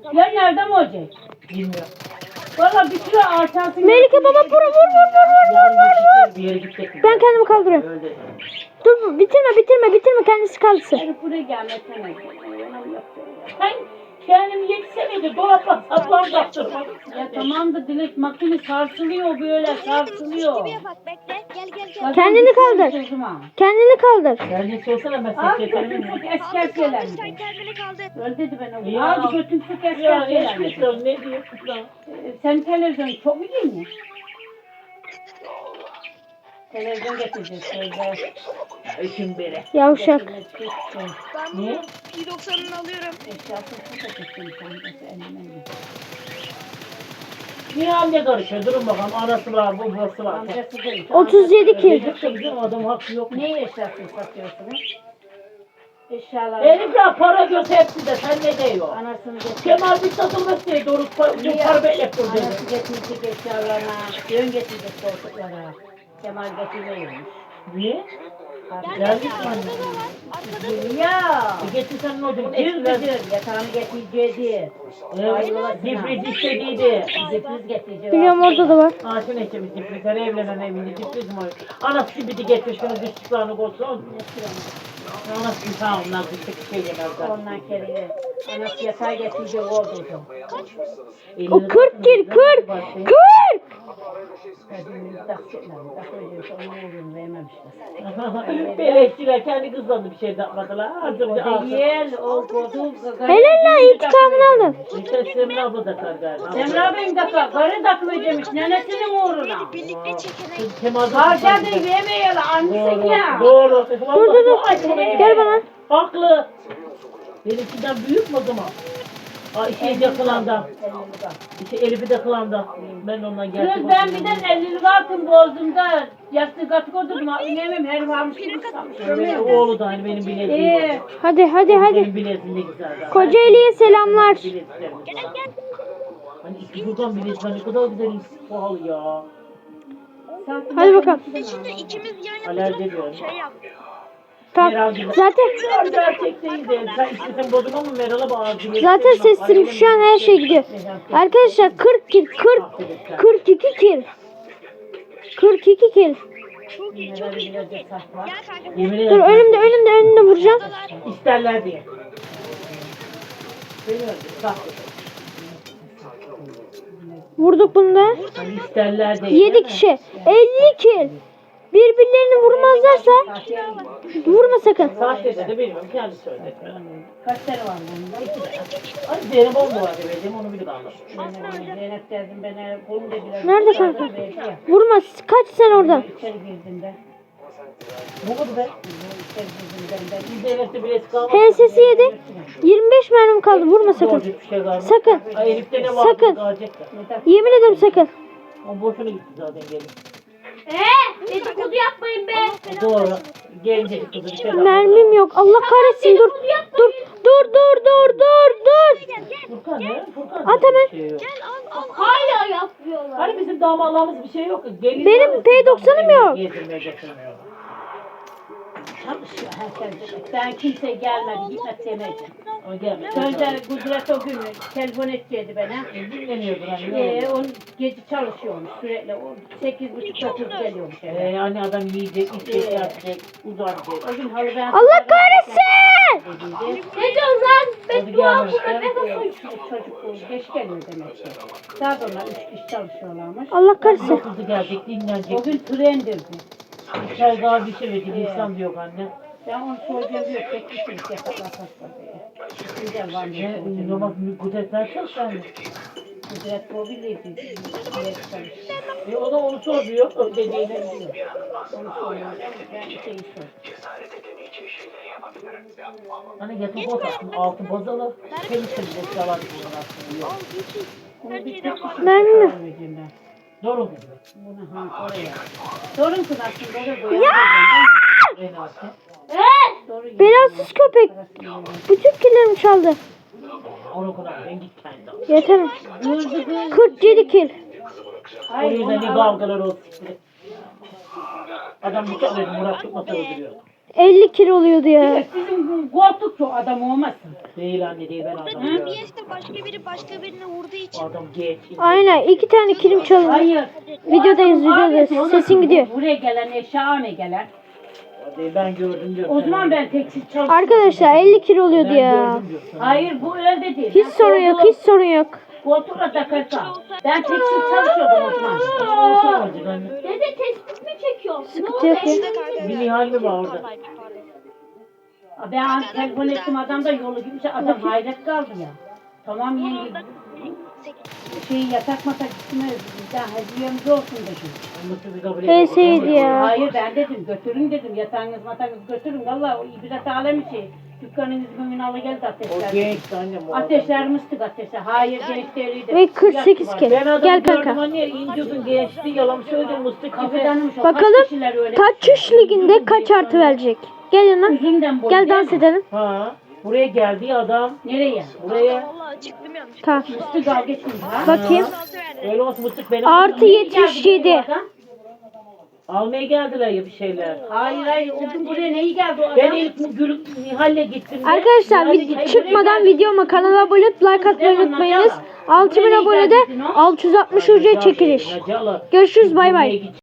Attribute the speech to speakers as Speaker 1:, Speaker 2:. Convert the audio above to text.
Speaker 1: Ya nerede mi olacak?
Speaker 2: Bilmiyorum.
Speaker 1: Valla bir sürü alçansın.
Speaker 3: Melike baba vur.
Speaker 2: Bir yere gidecek.
Speaker 3: Ben kendimi kaldırıyorum.
Speaker 2: Öyle.
Speaker 3: Dur bitirme kendisi kalsın.
Speaker 1: Hadi buraya gelmesene. Sen kendimi yetişemedi. Dolapla saplan kaptırmadın. Ya tamam da Dilek makine sarsılıyor böyle sarsılıyor.
Speaker 4: Gibi yapak bekle. Gel.
Speaker 3: Kendini kaldır. Kendini kaldır.
Speaker 2: Sen ne sorsana ben
Speaker 1: Al
Speaker 2: sekreterim.
Speaker 1: götün sık esker şeyler.
Speaker 4: Sen kendini kaldır.
Speaker 1: Öyle dedi ben
Speaker 2: Ya.
Speaker 1: onu. Al götün sık
Speaker 2: Ya
Speaker 1: esker
Speaker 2: ne
Speaker 1: şeyler.
Speaker 2: çıkıyorsun ne diyorsun lan?
Speaker 1: Sen televizyon çok mu değil mi? Televizyon getireceğiz.
Speaker 2: Üçün beri.
Speaker 3: Yavşak.
Speaker 4: Ben bunu P90'ını alıyorum.
Speaker 2: Niye anne karışıyor? Durun bakalım. Anası var, babası var.
Speaker 3: 37 kil.
Speaker 2: Bizim adam hakkı yok.
Speaker 1: Ne eşyasını satıyorsunuz? Eşyalar.
Speaker 2: Herifler para göz hepsi de sen ne diyor?
Speaker 1: Anasını getirdik.
Speaker 2: Kemal bir satılmış diye doğru para beklep durdu.
Speaker 1: Anası getirdik eşyalarına. Yön getirdik koltuklara. Kemal getirmeyiyormuş.
Speaker 2: Niye?
Speaker 4: Gel
Speaker 2: Geldik
Speaker 4: gel.
Speaker 2: mi anne?
Speaker 4: Arkada da var. Arkada da.
Speaker 1: Ya.
Speaker 2: Getirsen ne olacak?
Speaker 1: Cır
Speaker 2: Eskiler
Speaker 1: cır yatağını getireceğiz.
Speaker 2: Difriz istediydi.
Speaker 1: Sürpriz getireceğiz.
Speaker 3: Biliyorum orada da var.
Speaker 2: Ağaçın eşimiz difriz. Her evlenen evinde difriz mi? Anası gibi de getir şunu düştüklerini koysun. Anası bir sağ onlar düştük şey yemezler.
Speaker 1: Ondan kere. Anası yatağı getirecek oldu.
Speaker 3: O 40 kil 40. 40.
Speaker 2: Beleşçiler kendi kızlarını bir şey yapmadılar. Hazırca alsın.
Speaker 1: Değil, o kodu.
Speaker 3: Helal lan intikamını alın.
Speaker 2: İşte Semra abla da kar galiba.
Speaker 1: Semra Bey'in dakika, karı takmayacakmış nenesinin uğruna.
Speaker 4: Birlikte çekelim.
Speaker 2: Kemal'da
Speaker 1: Harcadı yemeyelim annesi ya.
Speaker 2: Doğru.
Speaker 3: Dur. Gel bana.
Speaker 2: Haklı. Benimkinden büyük mü o zaman? Aa, işe de kılandan. İşte Elif'i de kılandan. Ben ondan geldim.
Speaker 1: Kız ben bir de 50 lira attım bozdum da yastık atık oturdum. Yemem her varmış gibi sanmışım.
Speaker 2: Oğlu da hani benim bileziğim.
Speaker 3: Hadi.
Speaker 2: Benim bileziğim de güzel.
Speaker 3: Kocaeli'ye selamlar.
Speaker 2: Hani iki buradan bilezik ne kadar güzel pahalı ya.
Speaker 3: Hadi bakalım.
Speaker 4: Şimdi ikimiz yan
Speaker 2: Alerji
Speaker 4: yapacağız.
Speaker 2: diyorum.
Speaker 4: Şey yap.
Speaker 3: Tamam. Zaten
Speaker 2: Gerçekteydi. Sen istesen bozma mı Meral'a bağırdı.
Speaker 3: Zaten sesim şu an her şey gidiyor. Arkadaşlar 40 kil 42 kil. 42 kil.
Speaker 4: Çok iyi. Gel kanka.
Speaker 2: Yemin
Speaker 3: Dur
Speaker 2: ederim.
Speaker 3: önümde vuracağım.
Speaker 2: İsterler diye. Bilmiyorum. Bak.
Speaker 3: Vurduk bunu da.
Speaker 2: Hani isterler diye.
Speaker 3: 7 kişi. 50 kil. Birbirlerini vurmazlarsa vurma sakın.
Speaker 2: Saat dedi de bilmiyorum. Kendi söyledi.
Speaker 1: Kaç tane var bunda?
Speaker 2: Ay Zeynep oldu var dedim onu bilip aldım.
Speaker 1: Zeynep derdim bana bunu da biraz.
Speaker 3: Nerede kanka? Vurma. Kaç sen oradan.
Speaker 1: İçeri girdim de.
Speaker 2: Bu mu be?
Speaker 1: İçeri girdim ben.
Speaker 2: Biz Zeynep'te bile kalmadı.
Speaker 3: HS'si 7. 25 mermim kaldı. Vurma sakın.
Speaker 2: Doğru bir şey kalmadı.
Speaker 3: Sakın.
Speaker 2: Ay Elif'te ne var?
Speaker 3: Sakın.
Speaker 2: Kalacak da.
Speaker 3: Yemin ederim sakın.
Speaker 2: O boşuna gitti zaten gelin.
Speaker 4: Dedikodu yapmayın be.
Speaker 2: Doğru. Gelince kızı bir şey yapmadı.
Speaker 3: Mermim yok. Allah kahretsin. Dur.
Speaker 2: Furkan ne? Furkan
Speaker 3: At hemen.
Speaker 2: bir şey yok.
Speaker 4: Hala yapıyorlar.
Speaker 2: Hani bizim damadlarımız bir şey yok. Gelin
Speaker 3: Benim P90'ım yok.
Speaker 2: Gezdirmeye getirmiyor.
Speaker 1: Çalışıyor herkes. Ben kimse gelmedi gitmek demedim.
Speaker 2: O gelmedi.
Speaker 1: Önce Kudret o gün telefon edecekti bana.
Speaker 2: Dinleniyordu hani.
Speaker 1: On gece çalışıyormuş sürekli. O 8.30-9 geliyormuş eve.
Speaker 2: Hani adam yiyecek, içecek, yapacak, uzanacak.
Speaker 1: O gün halı ben...
Speaker 3: Allah kahretsin.
Speaker 4: Ne diyorsun lan?
Speaker 2: Beddua bu.
Speaker 1: Çocuk geç geliyor demek ki. Daha sonra 3 kişi çalışıyorlarmış.
Speaker 3: Allah kahretsin.
Speaker 2: Kızı gelecek, dinlenecek.
Speaker 1: O gün trendirdi.
Speaker 2: Çay daha bir şey verdi, insan diyor anne.
Speaker 1: Ben onu soracağım diyor. Tek bir şey yataklar hasta diye. Güzel var
Speaker 2: Ne,
Speaker 1: mı?
Speaker 2: namaz kudretler çok sende.
Speaker 1: Kudret o bilirdi.
Speaker 2: O da onu soruyor, dediğini diyor.
Speaker 1: Onu soruyor. Ben şeyi sor.
Speaker 2: Hani yatıp bozarsın, altı bozalı, temiz temiz yalan aslında.
Speaker 1: Onu bir tek kişi
Speaker 3: Mermi mi?
Speaker 1: vereceğim ben.
Speaker 2: Doğru mu?
Speaker 1: Bunu ha oraya. Sorun kız aslında da
Speaker 3: Ya!
Speaker 2: Renate.
Speaker 1: Doğru.
Speaker 3: Belasız köpek. Bütün killerimi çaldı.
Speaker 2: Onu kadar ben git kendi al.
Speaker 3: Yeter. 47 kil.
Speaker 1: Hayır,
Speaker 2: Oraya da
Speaker 1: onu
Speaker 2: ne
Speaker 1: al.
Speaker 2: kavgalar olsun. Adam bıçak verdi, Murat tutmasa öldürüyor.
Speaker 3: 50 kilo oluyordu ya.
Speaker 1: Dilek bizim koltuk şu adam olmasın.
Speaker 2: Değil anne değil ben adamım ya.
Speaker 5: DBS'de başka biri başka birine vurduğu için
Speaker 2: Adam geç.
Speaker 3: Aynen 2 tane kilim çalındı.
Speaker 1: Hayır.
Speaker 3: Videodayız,
Speaker 1: O adam
Speaker 3: videodayız.
Speaker 1: abi,
Speaker 3: Sesin gidiyor.
Speaker 1: Buraya gelen eşya ne gelen?
Speaker 2: Değil ben gördüm diyorum.
Speaker 1: O zaman ben tekstil çalışıyorum.
Speaker 3: Arkadaşlar 50 kilo oluyordu
Speaker 2: ben
Speaker 3: ya.
Speaker 2: gördüm diyorum.
Speaker 1: Hayır bu öyle değil.
Speaker 3: Hiç sorun yok, hiç sorun yok.
Speaker 1: Koltukla takarsan. Ben tekstil çalışıyordum o zaman.
Speaker 2: Olsa olacak anne.
Speaker 4: Dede tespit mi çekiyorsun?
Speaker 3: Sıkıntı yok ya.
Speaker 2: Bir Nihal mi var orada?
Speaker 1: Ben telefon ettim adam da yolu gibi adam hayret kaldı ya. Tamam yenge. Yatak matak gitmez. Bizden hediyemiz olsun dedim.
Speaker 2: Anlatı bir kabul
Speaker 3: HS'ydi ya.
Speaker 1: Hayır ben dedim götürün dedim yatağınız matağınız götürün. Valla o ibret alemi şey. Dükkanınız bugün alı geldi
Speaker 2: O
Speaker 1: ateşler.
Speaker 2: gençti annem o adam.
Speaker 1: Ateşler mıstık ateşler. Hayır genç değildi.
Speaker 3: Ve 48
Speaker 1: Yaş var.
Speaker 3: kilo.
Speaker 2: Ben adamı
Speaker 3: Gel
Speaker 2: gördüm
Speaker 3: kanka.
Speaker 2: anne inciyordun gençti yalan söyledim mıstık gibi.
Speaker 1: Kafadanmış o.
Speaker 3: Bakalım
Speaker 1: Kaç kişiler öyle.
Speaker 3: Kaçış liginde kaç artı verecek? Gel yana.
Speaker 1: Üzümden boy
Speaker 3: Gel
Speaker 1: değil
Speaker 3: dans
Speaker 1: mi?
Speaker 3: edelim.
Speaker 2: Ha buraya geldi adam.
Speaker 1: Nereye?
Speaker 2: Buraya.
Speaker 5: vallahi çıktım yanlış.
Speaker 3: Tamam.
Speaker 1: Mıstık al geçin ha.
Speaker 3: Bakayım.
Speaker 2: Öyle olsun mıstık benim.
Speaker 3: Artı
Speaker 1: Niye geldi
Speaker 3: 77.
Speaker 1: buraya adam?
Speaker 2: Almaya geldiler ya bir şeyler.
Speaker 1: Hayır hayır o gün buraya neyi geldi o adam?
Speaker 2: Ben ilk Nihal'le gittim. de,
Speaker 3: Arkadaşlar
Speaker 2: Nihal'le gittim.
Speaker 3: çıkmadan videoma kanala abone olup like atmayı unutmayınız. 6000 abonede 660 ücret çekiliş.
Speaker 2: Nacalı.
Speaker 3: Görüşürüz, bay bay.
Speaker 2: Buraya git.